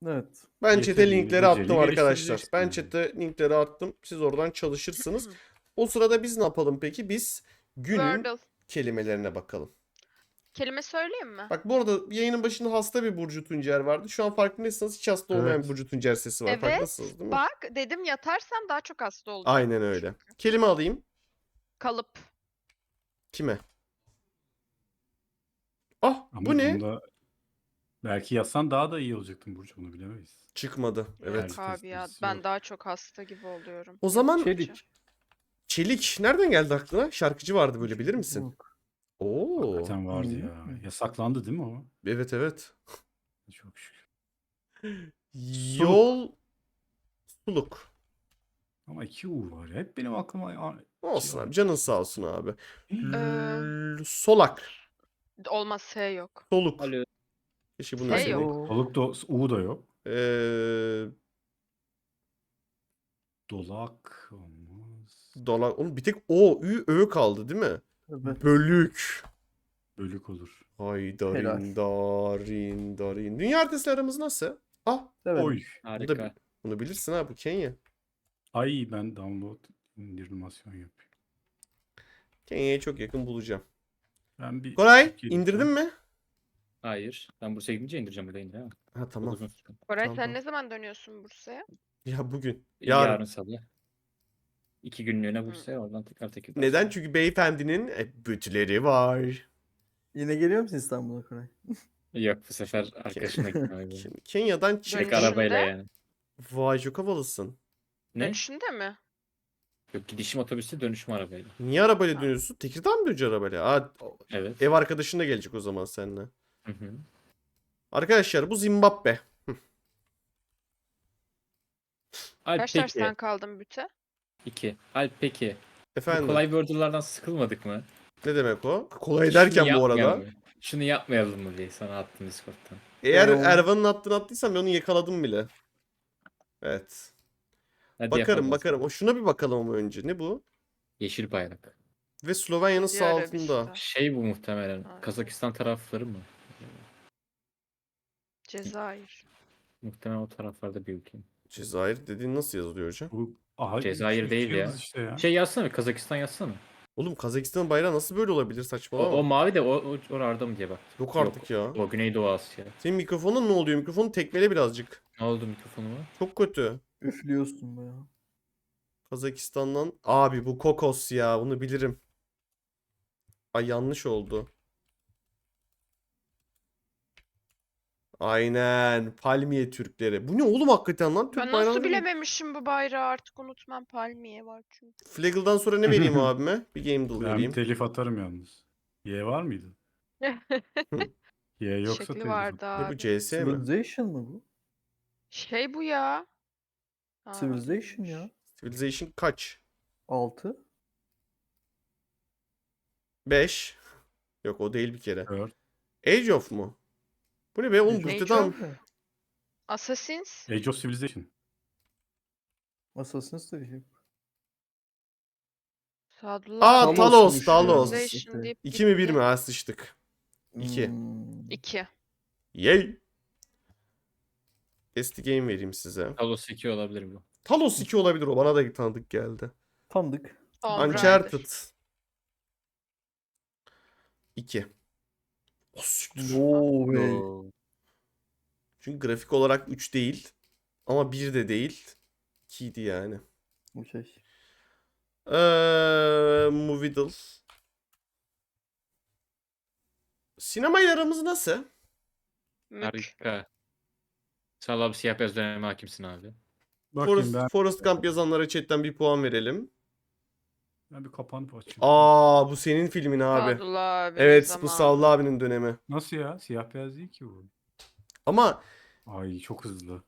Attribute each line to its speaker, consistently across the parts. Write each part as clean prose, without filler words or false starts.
Speaker 1: Evet.
Speaker 2: Ben chat'e
Speaker 3: Yeteneğini,
Speaker 2: linkleri attım
Speaker 3: beceriyi
Speaker 2: arkadaşlar. Ben
Speaker 3: geliştireceksin.
Speaker 2: chat'e linkleri attım. Siz oradan çalışırsınız. O sırada biz ne yapalım peki? Biz günün
Speaker 4: Wordle.
Speaker 2: kelimelerine bakalım.
Speaker 4: Kelime söyleyeyim mi?
Speaker 2: Bak bu arada yayının başında hasta bir Burcu Tuncer vardı. Şu an farkındaysanız hiç hasta olmayan
Speaker 3: Evet.
Speaker 2: bir Burcu Tuncer sesi var.
Speaker 4: Evet.
Speaker 2: Farkındasınız değil mi?
Speaker 4: Bak dedim yatarsam daha çok hasta olacağım.
Speaker 2: Aynen öyle. Kelime alayım.
Speaker 4: Kalıp.
Speaker 2: Kime? Ah
Speaker 3: Ama
Speaker 2: bu ne?
Speaker 3: bunda belki yazsan daha da iyi olacaktın Burcu, bunu bilemeyiz.
Speaker 2: Çıkmadı. Evet.
Speaker 4: Yok abi ya.
Speaker 3: testisi
Speaker 4: Ben
Speaker 3: yok.
Speaker 4: daha çok hasta gibi oluyorum.
Speaker 2: O zaman
Speaker 1: Çelik.
Speaker 2: Çelik. Nereden geldi aklına? Şarkıcı vardı böyle, bilir misin?
Speaker 1: Yok.
Speaker 2: Oo.
Speaker 3: Hakikaten vardı
Speaker 1: Hı.
Speaker 3: ya. Yasaklandı değil mi o?
Speaker 2: Evet evet.
Speaker 3: Çok şükür.
Speaker 2: Yol suluk.
Speaker 3: Ama 2 U var ya. Hep benim aklıma...
Speaker 2: Olsun
Speaker 3: Şey
Speaker 2: abi. Canın sağ olsun abi.
Speaker 4: Solak.
Speaker 2: Solak.
Speaker 4: Olmaz S yok.
Speaker 2: Soluk.
Speaker 5: Alo.
Speaker 2: Keşke bunu
Speaker 4: S
Speaker 2: deseydik.
Speaker 4: yok.
Speaker 3: Soluk da U da yok.
Speaker 2: Ee,
Speaker 3: Dolak olmaz.
Speaker 2: Dolan. Oğlum bir tek O, Ü, Ö kaldı değil mi?
Speaker 1: Evet.
Speaker 2: Bölük.
Speaker 3: Bölük olur.
Speaker 2: Hay
Speaker 1: Helal.
Speaker 2: darin darin darin. Dünya haritası aramız nasıl? Ah
Speaker 1: Evet.
Speaker 3: Oy.
Speaker 5: Harika.
Speaker 2: bunu bilirsin ha, bu Kenya.
Speaker 3: Ay ben download indirmasyon yapıyorum.
Speaker 2: Kenya'ya çok yakın bulacağım.
Speaker 3: Ben bir
Speaker 2: Koray
Speaker 3: Türkiye'de-
Speaker 2: indirdin mi?
Speaker 5: Hayır. Ben Bursa'ya gidince indireceğim öyle indir ha.
Speaker 2: Ha
Speaker 5: Çok
Speaker 2: tamam.
Speaker 5: uzun süre.
Speaker 4: Koray
Speaker 2: Tamam,
Speaker 4: sen
Speaker 2: tamam.
Speaker 4: ne zaman dönüyorsun Bursa'ya?
Speaker 2: Ya bugün.
Speaker 5: Yarın,
Speaker 2: Yarın.
Speaker 5: salı. 2 günlüğüne Bursa'ya oradan tekrar.
Speaker 2: Neden? Çünkü beyefendinin bütüleri var.
Speaker 1: Yine geliyor musun İstanbul'a Koray?
Speaker 5: Yok, bu sefer arkadaşımla gitmem.
Speaker 2: Şimdi Kenya'dan çık.
Speaker 5: Tek
Speaker 4: Dönüşünde?
Speaker 5: arabayla yani.
Speaker 2: Vay çok havalısın.
Speaker 5: Ne?
Speaker 4: Dönüşünde mi?
Speaker 5: Yok, gidişim otobüste, dönüşüm arabayla.
Speaker 2: Niye arabayla dönüyorsun? Tekirdağ mı döneceksin arabayla? Aa,
Speaker 5: Evet.
Speaker 2: ev arkadaşın da gelecek o zaman seninle.
Speaker 5: Hı hı.
Speaker 2: Arkadaşlar bu Zimbabwe.
Speaker 5: Alp
Speaker 4: Kaç
Speaker 5: peki.
Speaker 4: dersten kaldın büte?
Speaker 5: 2. Alp peki. Bu
Speaker 2: Efendim
Speaker 5: kolay wordle'lardan sıkılmadık mı?
Speaker 2: ne demek o? Kolay
Speaker 5: Şunu
Speaker 2: derken bu
Speaker 5: yapmayalım
Speaker 2: arada.
Speaker 5: mı? Şunu yapmayalım mı diye sana attım Discord'dan.
Speaker 2: Eğer
Speaker 1: Ben onu-
Speaker 2: Ervan'ın attığını attıysam ben onu yakaladım bile. Evet.
Speaker 5: Hadi
Speaker 2: Bakarım
Speaker 5: yapalım.
Speaker 2: O şuna bir bakalım ama önce. Ne bu?
Speaker 5: Yeşil bayrak.
Speaker 2: Ve Slovenya'nın
Speaker 4: Suudi
Speaker 2: sağ
Speaker 4: Arabistan.
Speaker 2: altında.
Speaker 5: Şey bu muhtemelen.
Speaker 4: Aynen.
Speaker 5: Kazakistan tarafları mı?
Speaker 4: Cezayir.
Speaker 5: Muhtemelen o taraflarda bir ülke.
Speaker 2: Cezayir dediğin nasıl yazılıyor hocam?
Speaker 3: Bu aha,
Speaker 5: Cezayir
Speaker 3: üç
Speaker 5: değil ya.
Speaker 3: yıldız işte ya.
Speaker 5: Şey yazsana, Kazakistan yazsana.
Speaker 2: Oğlum Kazakistan'ın bayrağı nasıl böyle olabilir, saçmalama.
Speaker 5: O mavi de orada mı diye bak.
Speaker 2: Yok artık ya.
Speaker 5: O Güneydoğu Asya.
Speaker 2: Senin mikrofonun ne oluyor? Mikrofonu tekmele birazcık.
Speaker 5: Ne oldu mikrofonuma?
Speaker 2: Çok kötü.
Speaker 1: Üflüyorsun be ya.
Speaker 2: Kazakistan'dan. Abi bu kokos ya. Bunu bilirim. Ay yanlış oldu. Aynen. Palmiye Türkleri. Bu ne oğlum hakikaten lan? Türk
Speaker 4: Ben nasıl
Speaker 2: bayrağını
Speaker 4: bilememişim bu bayrağı, artık unutmam, palmiye var çünkü.
Speaker 2: Flaggle'dan sonra ne vereyim abime? Bir game deal
Speaker 3: Ben
Speaker 2: vereyim.
Speaker 3: telif atarım yalnız. Y var mıydı? Y yoksa
Speaker 4: Şekli
Speaker 3: telif
Speaker 4: vardı
Speaker 2: Ne bu
Speaker 4: abi.
Speaker 2: CS mi?
Speaker 1: Civilization mı bu?
Speaker 4: Şey bu ya. Ha,
Speaker 1: Civilization
Speaker 4: değilmiş.
Speaker 1: ya.
Speaker 2: Civilization kaç?
Speaker 1: 6.
Speaker 2: 5. Yok o değil bir kere.
Speaker 3: 4.
Speaker 2: Age of mu? Bu ne be? Oğlum
Speaker 1: Age of
Speaker 2: Bursa'dan.
Speaker 1: Empire.
Speaker 4: Assassins.
Speaker 3: Age of Civilization.
Speaker 1: Assassin's de şey.
Speaker 4: Sadullah.
Speaker 2: Aa
Speaker 1: Talos'muş
Speaker 2: Talos,
Speaker 1: ya.
Speaker 2: Talos.
Speaker 4: Civilization
Speaker 1: Okey.
Speaker 4: deyip
Speaker 2: 2 mi 1
Speaker 4: gitti.
Speaker 2: mi? Ha sıçtık. 2.
Speaker 4: 2.
Speaker 2: Yay. Test game vereyim size.
Speaker 5: Talos 2 olabilir bu.
Speaker 2: Talos 2 olabilir, o bana da tanıdık geldi.
Speaker 1: Tanıdık.
Speaker 4: Tomb Raider.
Speaker 2: Uncharted 2. O siktir.
Speaker 1: Oo be.
Speaker 5: Oo.
Speaker 2: Çünkü grafik olarak 3 değil. Ama 1 de değil. 2'ydi yani.
Speaker 1: Okey.
Speaker 2: Movidal. Sinemayla aramız nasıl?
Speaker 4: Mük.
Speaker 5: Harika. Sağ ol abi, siyah beyaz döneme hakimsin abi.
Speaker 3: Bakayım
Speaker 2: Forest Gump yazanlara chatten bir puan verelim.
Speaker 3: ben bir kapanıp açayım.
Speaker 2: Aa bu senin filmin abi.
Speaker 4: Sadullah abi.
Speaker 2: Evet bu Savlı abinin dönemi.
Speaker 3: Nasıl ya? Siyah beyaz değil ki bu.
Speaker 2: Ama
Speaker 3: Ay çok hızlı.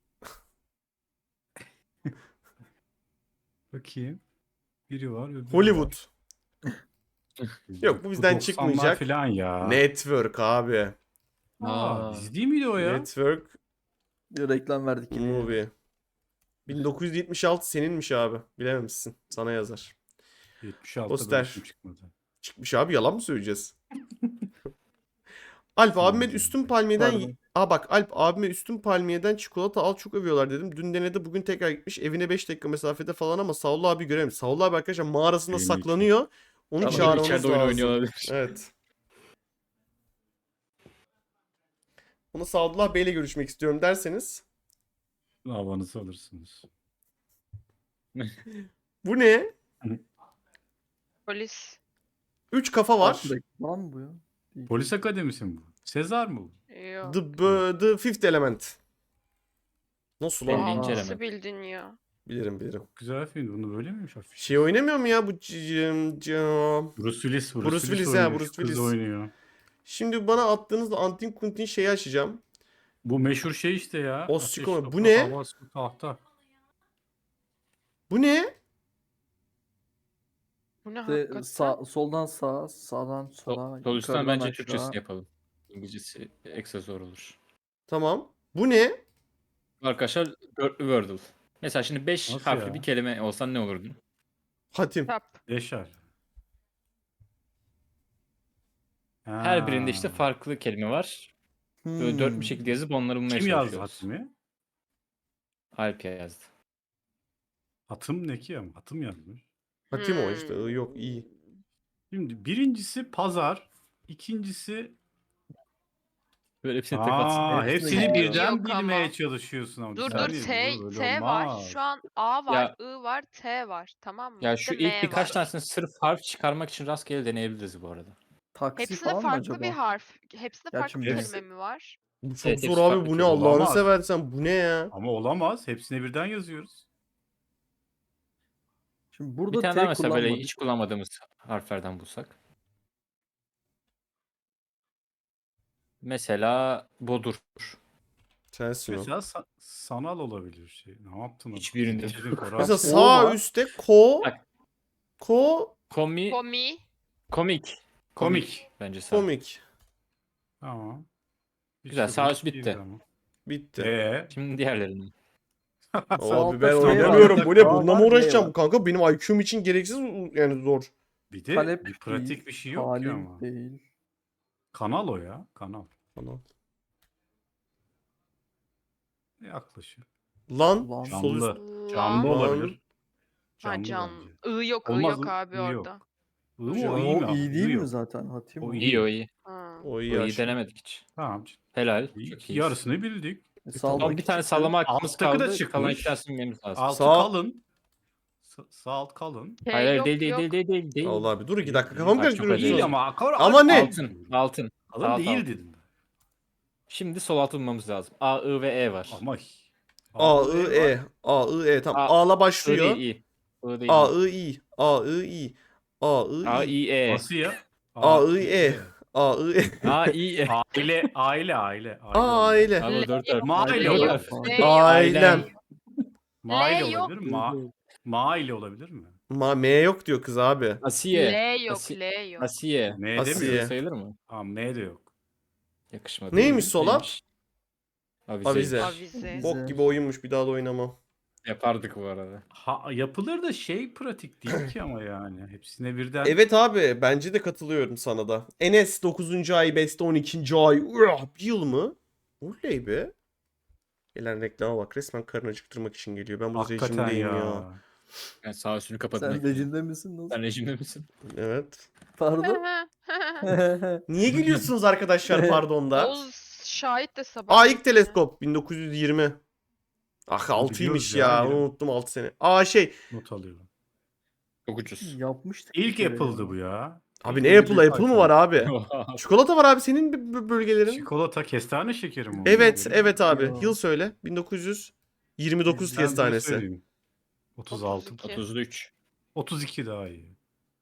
Speaker 3: Bakayım. Biri var. öbürü
Speaker 2: Hollywood.
Speaker 3: var.
Speaker 2: Yok, bu bizden
Speaker 3: 90'lar
Speaker 2: çıkmayacak.
Speaker 3: falan ya.
Speaker 2: Network abi.
Speaker 3: Aa, dizi değil miydi o ya?
Speaker 2: Network
Speaker 1: Bir reklam verdik yine.
Speaker 2: movie. 1976 seninmiş abi. Bilememişsin. Sana yazar.
Speaker 3: 76'da
Speaker 2: Poster.
Speaker 3: bölüm çıkmadı.
Speaker 2: Çıkmış abi, yalan mı söyleyeceğiz? Alp abime
Speaker 3: Tamam.
Speaker 2: üstün palmiyeden...
Speaker 1: Pardon.
Speaker 2: Bak Alp abime üstün palmiyeden çikolata al çok övüyorlar dedim. Dün denedi bugün tekrar gitmiş. Evine 5 dakika mesafede falan ama Saul abi göremedim. Saul abi arkadaşlar mağarasında
Speaker 3: Evine
Speaker 2: saklanıyor. Onu
Speaker 5: Ama
Speaker 2: çağırmamız
Speaker 5: içeride oyun
Speaker 2: lazım.
Speaker 5: oynuyor olabilir.
Speaker 2: Evet. Bunu Sadullah Bey'le görüşmek istiyorum derseniz.
Speaker 3: Havanızı alırsınız.
Speaker 2: Bu ne?
Speaker 4: Polis.
Speaker 2: 3 kafa var.
Speaker 1: Reklam mı bu ya? Değil.
Speaker 3: Polis akademisi mi bu? Sezar mı bu?
Speaker 4: Yok.
Speaker 2: The Fifth Element. Nasıl lan?
Speaker 5: Belli. Birinci
Speaker 4: Nasıl
Speaker 5: element.
Speaker 4: bildin ya?
Speaker 2: Bilirim.
Speaker 3: Güzel film. Bunu böyle miymiş hafif?
Speaker 2: Şey oynamıyor mu ya bu
Speaker 3: Bruce Willis.
Speaker 2: Bruce Willis,
Speaker 3: oynuyor.
Speaker 2: Bruce
Speaker 3: Şu kız
Speaker 2: Willis.
Speaker 3: oynuyor.
Speaker 2: Şimdi bana attığınızda Antin Kuntin şeyi açacağım.
Speaker 3: Bu meşhur şey işte ya.
Speaker 2: O
Speaker 3: Ateş,
Speaker 2: siko- bu
Speaker 3: toprak,
Speaker 2: ne?
Speaker 3: hava, su, tahta.
Speaker 2: Bu ne?
Speaker 4: Bu ne
Speaker 1: İşte
Speaker 4: hakikaten?
Speaker 1: soldan sağa, sağdan sola,
Speaker 5: Sol üstten
Speaker 1: yukarıdan
Speaker 5: bence
Speaker 1: aşağı.
Speaker 5: Türkçesini yapalım. İngilizcesi ekstra zor olur.
Speaker 2: Tamam. Bu ne?
Speaker 5: Arkadaşlar dörtlü Wordle. Mesela şimdi 5
Speaker 3: Nasıl
Speaker 5: harfli
Speaker 3: ya?
Speaker 5: bir kelime olsan ne olurdu?
Speaker 2: Hatim.
Speaker 4: Tap.
Speaker 3: Yaşar.
Speaker 5: Her birinde işte
Speaker 3: Ha.
Speaker 5: farklı kelime var. Böyle dört bir şekilde yazıp onları bulmaya
Speaker 3: Kim yazdı
Speaker 5: çalışıyoruz.
Speaker 3: hatimi?
Speaker 5: Alp yazdı.
Speaker 3: Hatım ne ki ama? Hatım yazmış.
Speaker 2: Hatim o işte. Yok iyi.
Speaker 3: Şimdi birincisi pazar. İkincisi...
Speaker 5: Böyle hepsini tek atsın.
Speaker 3: Aa,
Speaker 1: Hepsini
Speaker 3: hepsini
Speaker 1: biliyor.
Speaker 3: birden
Speaker 4: Yok ama.
Speaker 3: bilmeye çalışıyorsun ama.
Speaker 4: Dur
Speaker 3: Bir
Speaker 4: dur
Speaker 3: saniye,
Speaker 4: T,
Speaker 3: böyle
Speaker 4: T var.
Speaker 3: olmaz.
Speaker 4: Şu an A var,
Speaker 5: Ya-
Speaker 4: I var, T var. Tamam mı?
Speaker 5: Ya
Speaker 4: Bir
Speaker 5: şu
Speaker 4: de
Speaker 5: ilk
Speaker 4: M
Speaker 5: birkaç
Speaker 4: var.
Speaker 5: tanesini sırf harf çıkarmak için rastgele deneyebiliriz bu arada.
Speaker 1: Taksi
Speaker 4: Hepsinde
Speaker 1: falan mı
Speaker 4: farklı
Speaker 1: acaba?
Speaker 4: bir harf. Hepsinde
Speaker 1: Ya
Speaker 4: farklı bir
Speaker 1: şimdi-
Speaker 4: kelime mi var?
Speaker 2: Bu çok
Speaker 5: Evet,
Speaker 2: zor
Speaker 5: hepsi
Speaker 2: abi.
Speaker 5: farklı
Speaker 2: Bu ne
Speaker 5: kelime.
Speaker 2: Allah'ını
Speaker 3: Olamaz.
Speaker 2: seversen. Bu ne ya?
Speaker 3: Ama olamaz. Hepsine birden yazıyoruz.
Speaker 1: Şimdi
Speaker 5: Bir
Speaker 1: burada
Speaker 5: tane daha
Speaker 1: T
Speaker 5: mesela böyle
Speaker 1: kullanmadık.
Speaker 5: hiç kullanmadığımız harflerden bulsak. Mesela bodur.
Speaker 2: Sensin o.
Speaker 3: Mesela sanal olabilir şey. Ne yaptın?
Speaker 5: Hiçbirinde.
Speaker 3: Çizin Koray.
Speaker 2: Mesela
Speaker 1: O
Speaker 2: sağ
Speaker 1: var.
Speaker 2: üstte
Speaker 5: Bak.
Speaker 2: komik.
Speaker 4: Komi.
Speaker 3: Komik.
Speaker 5: Bence sağ.
Speaker 3: Tamam. Bir
Speaker 5: Güzel,
Speaker 3: sürü
Speaker 5: sağ üst
Speaker 3: değil
Speaker 5: bitti.
Speaker 3: ama.
Speaker 2: Bitti.
Speaker 5: Şimdi diğerlerini.
Speaker 2: Abi ben
Speaker 1: Sağ
Speaker 2: oynamıyorum.
Speaker 1: var.
Speaker 2: Bu ne?
Speaker 1: Sağ
Speaker 2: Bununla
Speaker 1: var,
Speaker 2: mı
Speaker 1: B
Speaker 2: uğraşacağım?
Speaker 1: var.
Speaker 2: Kanka benim IQ'm için gereksiz yani zor.
Speaker 3: Bir de
Speaker 1: Talep
Speaker 3: bir pratik
Speaker 1: değil,
Speaker 3: bir şey yok ki
Speaker 1: talim
Speaker 3: ama.
Speaker 1: değil.
Speaker 3: Kanal o ya. Kanal.
Speaker 2: Anam.
Speaker 3: Yaklaşık.
Speaker 2: Lan.
Speaker 1: Lan.
Speaker 2: Sol üst.
Speaker 3: Canlı. Canlı
Speaker 4: Lan.
Speaker 3: olabilir.
Speaker 4: Ha
Speaker 3: Canlı
Speaker 4: can.
Speaker 3: bence.
Speaker 4: I yok, I
Speaker 3: Olmaz,
Speaker 4: yok abi
Speaker 3: I yok.
Speaker 4: orada.
Speaker 3: I mı
Speaker 2: Can-
Speaker 3: o
Speaker 1: O
Speaker 3: iyi mi?
Speaker 1: iyi
Speaker 3: I
Speaker 1: değil mi
Speaker 3: yok.
Speaker 1: zaten? Hatim
Speaker 3: O
Speaker 1: o.
Speaker 3: iyi.
Speaker 5: İyi o iyi.
Speaker 4: Ha.
Speaker 2: O
Speaker 5: O
Speaker 2: iyi
Speaker 5: iyi
Speaker 2: aşkım.
Speaker 5: denemedik hiç.
Speaker 3: Tamam.
Speaker 5: Helal.
Speaker 3: İyi.
Speaker 5: Çok iyi.
Speaker 3: Yarısını bildik.
Speaker 1: Sağdaki
Speaker 5: Ama bir tane
Speaker 1: çıktı.
Speaker 5: sallama hakkımız
Speaker 3: Alttaki de
Speaker 5: kaldı. Kalan iki
Speaker 3: çıkmış.
Speaker 5: tanesini bilmemiz lazım.
Speaker 3: Altı
Speaker 2: Sağ-
Speaker 3: kalın. Sağ alt kalın.
Speaker 4: T
Speaker 5: Hayır
Speaker 4: yok,
Speaker 5: değil
Speaker 4: yok.
Speaker 5: değil.
Speaker 2: Allah abi dur 2 dakika
Speaker 3: Değil,
Speaker 2: kafamı
Speaker 5: değil. Çok
Speaker 2: karıştırıyorsun.
Speaker 5: acele
Speaker 3: Değil
Speaker 5: Değil.
Speaker 3: ama.
Speaker 2: Ama ne?
Speaker 5: Altın.
Speaker 3: Kalın
Speaker 5: Sağ alt,
Speaker 3: değil
Speaker 5: alt.
Speaker 3: dedim.
Speaker 5: Şimdi sol altı bulmamız lazım. A, I ve E var.
Speaker 3: Ama
Speaker 2: A,
Speaker 3: var.
Speaker 2: I, E. A, I, E. Tamam.
Speaker 5: A-
Speaker 2: A'la
Speaker 5: I
Speaker 2: başlıyor.
Speaker 5: değil I. I değil
Speaker 2: A,
Speaker 5: I.
Speaker 2: I, I. A, I, I. A, I,
Speaker 5: A,
Speaker 2: I.
Speaker 5: I, E.
Speaker 3: Nasıl ya?
Speaker 2: A, I, E. A, I, E.
Speaker 5: A, I, E.
Speaker 3: Aile.
Speaker 2: Aile.
Speaker 5: Abi 4 harf.
Speaker 3: Maile
Speaker 4: L
Speaker 3: olur.
Speaker 4: yok,
Speaker 5: harf.
Speaker 4: L yok.
Speaker 2: Ailem.
Speaker 3: Maile
Speaker 4: L yok.
Speaker 3: olabilir mi? Maile olabilir mi?
Speaker 2: M yok diyor kız abi.
Speaker 5: Asiye.
Speaker 4: L yok,
Speaker 5: Asi-
Speaker 4: L yok.
Speaker 5: Asiye.
Speaker 3: M
Speaker 2: Asiye.
Speaker 3: demiyor.
Speaker 5: Sayılır mı?
Speaker 3: Aa, M de yok.
Speaker 5: Yakışmadı.
Speaker 2: Neymiş sola?
Speaker 5: Neymiş?
Speaker 2: Avize.
Speaker 4: Avize.
Speaker 2: Bok gibi oyunmuş bir daha da oynamam.
Speaker 5: Yapardık bu arada.
Speaker 3: Yapılır da şey pratik değil ki ama yani. Hepsine birden.
Speaker 2: Evet abi bence de katılıyorum sana da. Enes 9. ay, Beste 12. ay. Bir yıl mı? Oley be. Gelen reklama bak resmen karın acıktırmak için geliyor. Ben bu
Speaker 3: Hakikaten
Speaker 2: rejimdeyim ya.
Speaker 3: ya.
Speaker 5: Ben sağ üstünü kapadım.
Speaker 1: Sen rejimde misin? Nasıl?
Speaker 5: Sen rejimde misin?
Speaker 2: Evet.
Speaker 1: Pardon.
Speaker 2: Niye gülüyorsunuz arkadaşlar pardon da?
Speaker 4: Oğuz şahit de sabah.
Speaker 2: Aa ilk teleskop 1920. Ah 6'ymış
Speaker 3: biliyoruz
Speaker 2: ya.
Speaker 3: ya,
Speaker 2: Unuttum 6 sene. Aa şey.
Speaker 3: Not alıyorum.
Speaker 5: Çok ucuz.
Speaker 1: Yapmıştık.
Speaker 3: İlk
Speaker 1: bir kere
Speaker 3: yapıldı
Speaker 1: ya.
Speaker 3: bu ya.
Speaker 2: Abi ne Apple Apple mı var abi?
Speaker 5: Oha.
Speaker 2: Çikolata var abi senin bölgelerin.
Speaker 3: Çikolata kestane şekeri mi?
Speaker 2: Evet evet abi.
Speaker 1: Ya.
Speaker 2: Yıl söyle. 1929
Speaker 3: Ben bunu
Speaker 2: kestanesi.
Speaker 3: söyleyeyim. 36.
Speaker 4: 32.
Speaker 5: 33.
Speaker 3: 32 daha iyi.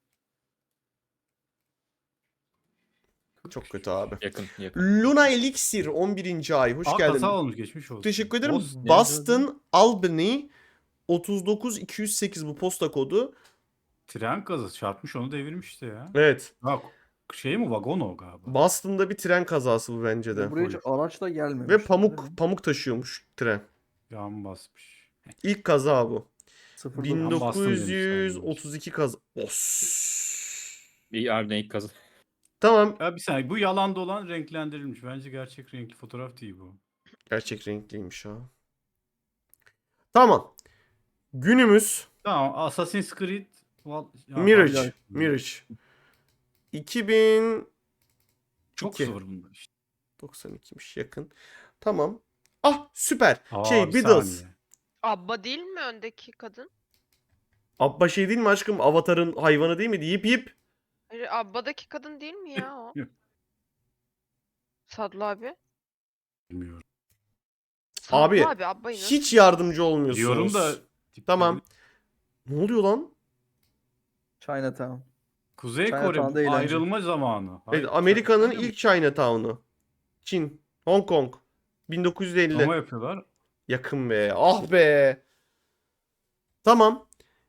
Speaker 2: Çok kötü abi.
Speaker 5: Yakın yakın.
Speaker 2: Luna Elixir 11. ay. Hoş
Speaker 3: Aa,
Speaker 2: geldin.
Speaker 3: kaza olmuş, geçmiş olsun.
Speaker 2: Teşekkür ederim.
Speaker 3: Olsun.
Speaker 2: Boston Albany 39208 bu posta kodu.
Speaker 3: Tren kazası çarpmış, onu devirmiş işte ya.
Speaker 2: Evet.
Speaker 3: Bak şey mi, vagon o galiba.
Speaker 2: Boston'da bir tren kazası bu bence de.
Speaker 1: Buraya hiç araçla gelmemiş.
Speaker 2: Ve pamuk taşıyormuş tren.
Speaker 3: Yan basmış.
Speaker 2: İlk kaza bu.
Speaker 1: 09.
Speaker 3: Boston demiş
Speaker 2: 1932 kaza. Os.
Speaker 5: İyi harbiden ilk kazı.
Speaker 2: Tamam.
Speaker 3: Ya bir saniye bu yalan dolan renklendirilmiş. Bence gerçek renkli fotoğraf değil bu.
Speaker 2: Gerçek renkliymiş ha. Tamam. Günümüz
Speaker 3: Tamam Assassin's Creed ya,
Speaker 2: Mirage.
Speaker 3: bak-
Speaker 2: Mirage. 2000
Speaker 3: Çok
Speaker 2: İki.
Speaker 3: zor bunda işte.
Speaker 2: 92'miş yakın. Tamam. Ah süper.
Speaker 3: Bir
Speaker 2: Beatles.
Speaker 3: saniye.
Speaker 4: Abba değil mi öndeki kadın?
Speaker 2: Abba şey değil mi aşkım? Avatar'ın hayvanı değil miydi? Yip yip.
Speaker 4: Hayır, Abba'daki kadın değil mi ya o?
Speaker 3: Yok.
Speaker 4: Sadlı abi.
Speaker 3: Bilmiyorum.
Speaker 4: Sadlı
Speaker 2: Abi,
Speaker 4: abi Abba'yı nasıl?
Speaker 2: Hiç yardımcı olmuyorsunuz.
Speaker 3: Diyorum da
Speaker 2: Tamam. Ne oluyor lan?
Speaker 1: Chinatown.
Speaker 3: Kuzey Kore
Speaker 1: Chinatown'da
Speaker 3: bu
Speaker 1: eğlence.
Speaker 3: ayrılma zamanı. Hayır,
Speaker 2: Amerika'nın
Speaker 3: China-
Speaker 2: ilk Chinatown'u. Çin. Hong Kong. 1950.
Speaker 3: Ama yapıyorlar.
Speaker 2: Yakın be. Ah be. Tamam.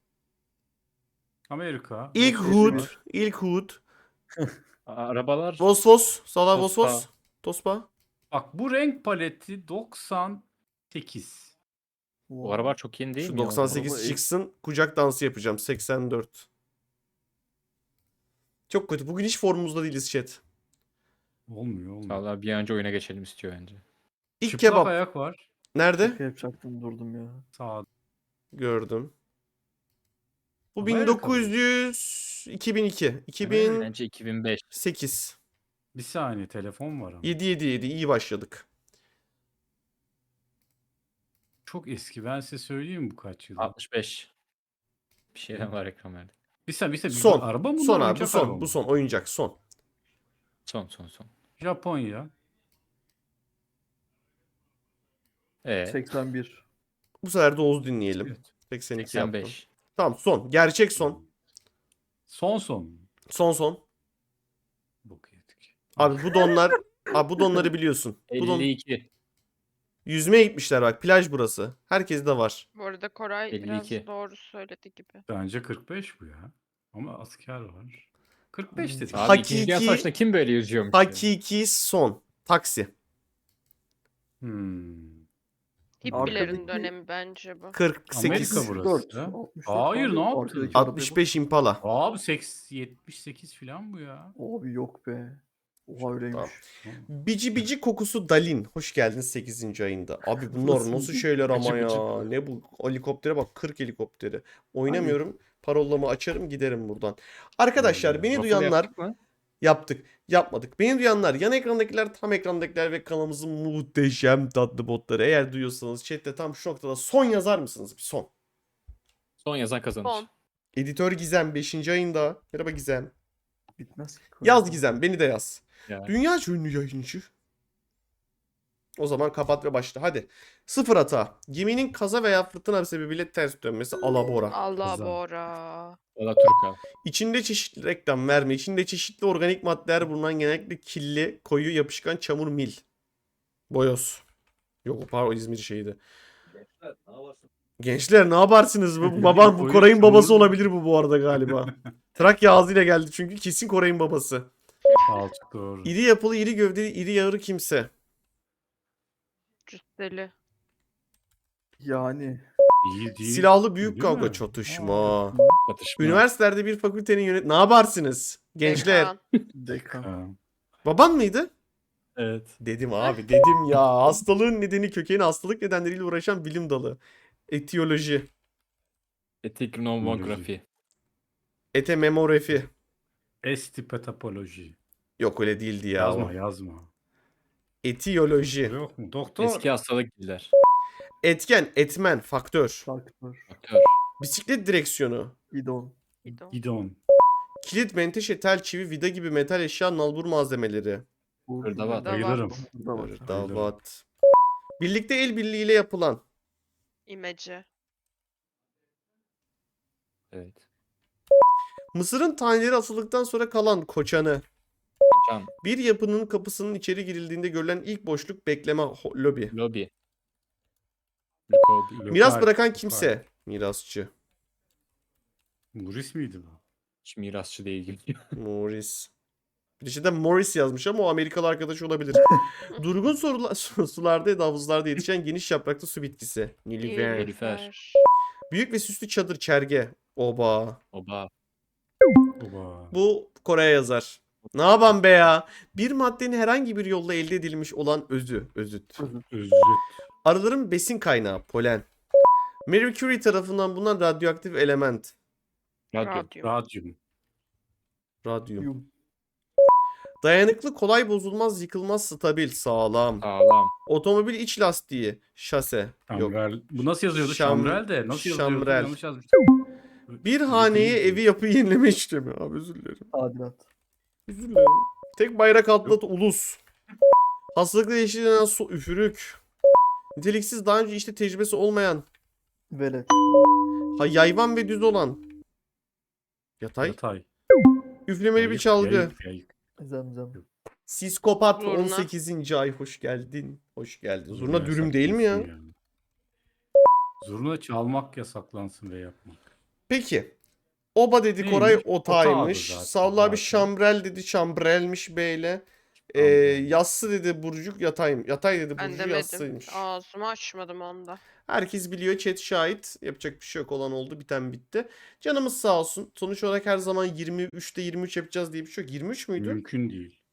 Speaker 3: Amerika.
Speaker 2: İlk
Speaker 3: Los
Speaker 2: Hood.
Speaker 3: Angeles.
Speaker 2: İlk Hood.
Speaker 5: Arabalar.
Speaker 2: Vos vos. Sala vos
Speaker 5: Tospa.
Speaker 2: vos. Tospa.
Speaker 3: Bak bu renk paleti 98.
Speaker 5: Bu arabalar çok yeni değil
Speaker 2: Şu
Speaker 5: mi ya?
Speaker 2: 98
Speaker 1: Araba
Speaker 2: çıksın. Kucak dansı yapacağım. 84. Çok kötü. Bugün hiç formumuzda değiliz chat.
Speaker 3: Olmuyor.
Speaker 5: Valla bir an önce oyuna geçelim istiyor bence.
Speaker 2: İlk
Speaker 3: Çıplak
Speaker 2: kebap.
Speaker 3: ayak var.
Speaker 2: Nerede?
Speaker 1: Şaka yapacaktım durdum ya.
Speaker 3: Sağda.
Speaker 2: Gördüm. Bu
Speaker 3: Amerika
Speaker 2: 1900 2002.
Speaker 5: Bence 2005.
Speaker 2: 2008.
Speaker 3: Bir saniye telefon var ama.
Speaker 2: 7 iyi başladık.
Speaker 3: Çok eski. Ben size söyleyeyim mi bu kaç yıl?
Speaker 5: 65. Bir şeyden var ekran verdi.
Speaker 3: Bir saniye.
Speaker 2: Son.
Speaker 3: Araba mı?
Speaker 2: Son
Speaker 3: bunlar,
Speaker 2: abi bu
Speaker 3: oyuncak araba
Speaker 2: son.
Speaker 3: mı?
Speaker 2: Bu son oyuncak son.
Speaker 5: Son.
Speaker 3: Japonya.
Speaker 1: 81.
Speaker 2: Bu sefer de Oğuz dinleyelim.
Speaker 3: Evet.
Speaker 2: 82 yaptım.
Speaker 5: 85.
Speaker 2: Tamam son. Gerçek son.
Speaker 3: Son.
Speaker 2: Son.
Speaker 3: Bok yedik.
Speaker 2: Abi bu donlar abi bu donları biliyorsun. Bu don
Speaker 5: 52.
Speaker 2: yüzmeye gitmişler bak. Plaj burası. Herkes de var.
Speaker 4: Bu arada Koray biraz
Speaker 5: 52.
Speaker 4: doğru söyledi gibi.
Speaker 3: Bence 45 bu ya. Ama asker var. 45 dedik.
Speaker 2: Ha-
Speaker 5: Abi İkinci Dünya
Speaker 2: Hakiki-
Speaker 5: Savaşı'nda kim böyle yüzüyormuş ya?
Speaker 2: Hakiki son. Taksi.
Speaker 3: Hmm.
Speaker 4: Hippilerin
Speaker 1: Arkadaki-
Speaker 4: dönemi bence bu.
Speaker 2: 48.
Speaker 3: Amerika burası.
Speaker 1: 64.
Speaker 3: ha?
Speaker 1: 64
Speaker 3: Hayır,
Speaker 1: abi.
Speaker 3: ne yaptın?
Speaker 1: Arkadaki araba
Speaker 2: 65 Impala.
Speaker 3: Abi 78 falan bu ya.
Speaker 1: bu. Abi yok be. Oha öyleymiş.
Speaker 2: Bici bici kokusu Dalin. Hoş geldiniz 8. ayında. Abi bunlar
Speaker 1: Nasıl?
Speaker 2: nasıl şeyler ama
Speaker 3: Bici
Speaker 2: ya.
Speaker 3: bici.
Speaker 2: Ne bu helikoptere bak 40 helikopteri. Oynamıyorum. Parolamı açarım giderim buradan. Arkadaşlar beni
Speaker 3: Waffle
Speaker 2: duyanlar
Speaker 5: Yaptık mı?
Speaker 2: yaptık. Yapmadık. Beni duyanlar yan ekrandakiler tam ekrandakiler ve kanalımızın muhteşem tatlı botları. Eğer duyuyorsanız chatte tam şu noktada son yazar mısınız? Bir son.
Speaker 5: Son yazan kazanır.
Speaker 4: Son.
Speaker 2: Editör Gizem 5. ayında. Merhaba Gizem.
Speaker 1: Bitmez ki.
Speaker 2: Yaz Gizem beni de yaz.
Speaker 5: Ya.
Speaker 2: Dünya ünlü yayıncı. O zaman kapat ve başla. Hadi. Sıfır hata. Geminin kaza veya fırtına sebebiyle ters dönmesi alabora.
Speaker 4: Allah
Speaker 3: Kızım.
Speaker 4: Bora.
Speaker 5: Valla Türk abi.
Speaker 2: İçinde çeşitli reklam verme. İçinde çeşitli organik maddeler bulunan genellikle kirli, koyu, yapışkan çamur mil. Boyoz. Yok pardon İzmir şeydi. Gençler ne yaparsınız? Bu baban bu
Speaker 3: Koyu
Speaker 2: Koray'ın
Speaker 3: çamur
Speaker 2: babası
Speaker 3: mil.
Speaker 2: olabilir bu arada galiba. Trakya ağzıyla geldi çünkü kesin Koray'ın babası.
Speaker 3: Alçık doğru.
Speaker 2: İri yapılı, iri gövdeli, iri yağırı kimse.
Speaker 4: Cüsseli.
Speaker 1: Yani.
Speaker 3: İyi değil.
Speaker 2: Silahlı büyük
Speaker 3: Değil
Speaker 2: kavga
Speaker 3: mi?
Speaker 2: çatışma.
Speaker 5: Çatışma.
Speaker 2: Üniversitelerde bir fakültenin Ne yaparsınız? Gençler.
Speaker 4: Dekan.
Speaker 1: Dekan.
Speaker 3: Ha,
Speaker 2: Baban mıydı?
Speaker 3: evet.
Speaker 2: Dedim abi dedim ya. Hastalığın nedeni kökeni hastalık nedenleriyle uğraşan bilim dalı. Etiyoloji.
Speaker 5: Etiknomografi.
Speaker 2: Etememografi.
Speaker 3: Estipetapoloji.
Speaker 2: Yok öyle değildi ya.
Speaker 3: Yazma.
Speaker 2: Etiyoloji.
Speaker 3: Yok mu? Doktor.
Speaker 5: Eski hastalık diller.
Speaker 2: Etken, etmen, faktör.
Speaker 1: Faktör.
Speaker 5: Faktör.
Speaker 2: Bisiklet direksiyonu.
Speaker 1: Gidon.
Speaker 4: Gidon.
Speaker 3: Gidon.
Speaker 2: Kilit, menteşe, tel, çivi, vida gibi metal eşya, nalbur malzemeleri.
Speaker 5: Hırdavat.
Speaker 3: Bayılırım.
Speaker 1: Burada var.
Speaker 2: Davat. Birlikte el birliğiyle yapılan.
Speaker 4: İmece.
Speaker 5: Evet.
Speaker 2: Mısırın taneleri asıldıktan sonra kalan koçanı.
Speaker 5: Can.
Speaker 2: Bir yapının kapısının içeri girildiğinde görülen ilk boşluk bekleme lobi.
Speaker 5: Lobi.
Speaker 2: Miras
Speaker 3: Lokal,
Speaker 2: bırakan
Speaker 3: lokal.
Speaker 2: kimse. Mirasçı.
Speaker 3: Muris miydi bu?
Speaker 5: Hiç mirasçı değil.
Speaker 2: Morris. Bir şeyden Morris yazmış ama o Amerikalı arkadaş olabilir. Durgun sularda ya da havuzlarda yetişen geniş yapraklı su bitkisi. Nilüfer.
Speaker 5: Nilüfer.
Speaker 2: Büyük ve süslü çadır çerge. Oba.
Speaker 5: Oba.
Speaker 3: Oba.
Speaker 2: Bu Kore'ye yazar. Ne yapan be ya? Bir maddenin herhangi bir yolla elde edilmiş olan özü. Özüt.
Speaker 3: Özüt.
Speaker 2: Arıların besin kaynağı. Polen. Marie Curie tarafından bulunan radyoaktif element.
Speaker 5: Radyo.
Speaker 4: Radyum.
Speaker 3: Radyum.
Speaker 2: Radyum.
Speaker 1: Yum.
Speaker 2: Dayanıklı, kolay bozulmaz, yıkılmaz, stabil, sağlam.
Speaker 5: Sağlam.
Speaker 2: Otomobil iç lastiği. Şase. Yok.
Speaker 3: Şamrel. Bu nasıl yazıyordu?
Speaker 2: Şam-
Speaker 3: Şamrel de. Nasıl yazıyordu?
Speaker 2: Şamrel.
Speaker 3: Yanlış yazmıştım.
Speaker 2: Bir haneye evi yapı yenileme işlemi. Abi özür dilerim.
Speaker 1: Tadilat.
Speaker 2: Özür dilerim. Tek bayrak altında ulus. Hastalıkla eşitlenen su üfürük. Niteliksiz daha önce işte tecrübesi olmayan.
Speaker 1: Velet.
Speaker 2: Yayvan ve düz olan. Yatay.
Speaker 3: Yatay.
Speaker 2: Üflemeli bir
Speaker 3: Yayık,
Speaker 2: çalgı.
Speaker 3: yayık, yayık.
Speaker 1: Zemzem.
Speaker 2: Psikopat
Speaker 4: Zurna.
Speaker 2: 18. ay hoş geldin. Hoş geldin. Zurna
Speaker 3: Zurna
Speaker 2: dürüm değil mi ya?
Speaker 3: yasaklansın yani. Zurna çalmak yasaklansın ve yapmak.
Speaker 2: Peki. Oba dedi
Speaker 3: Neymiş?
Speaker 2: Koray
Speaker 3: Otağdı
Speaker 2: otaymış.
Speaker 3: zaten,
Speaker 2: Savla abi
Speaker 3: zaten.
Speaker 2: şambrel dedi şambrelmiş beyle.
Speaker 3: Şambrel.
Speaker 2: Yassı dedi burcuk yatay. Yatay dedi
Speaker 4: Ben
Speaker 2: burcu
Speaker 4: demedim.
Speaker 2: yassıymış.
Speaker 4: Ağzımı açmadım onda.
Speaker 2: Herkes biliyor, chat şahit. Yapacak bir şey yok, olan oldu, biten bitti. Canımız sağ olsun. Sonuç olarak her zaman 23'te 23 yapacağız diye bir şey yok. 23 müydü?
Speaker 3: Mümkün değil.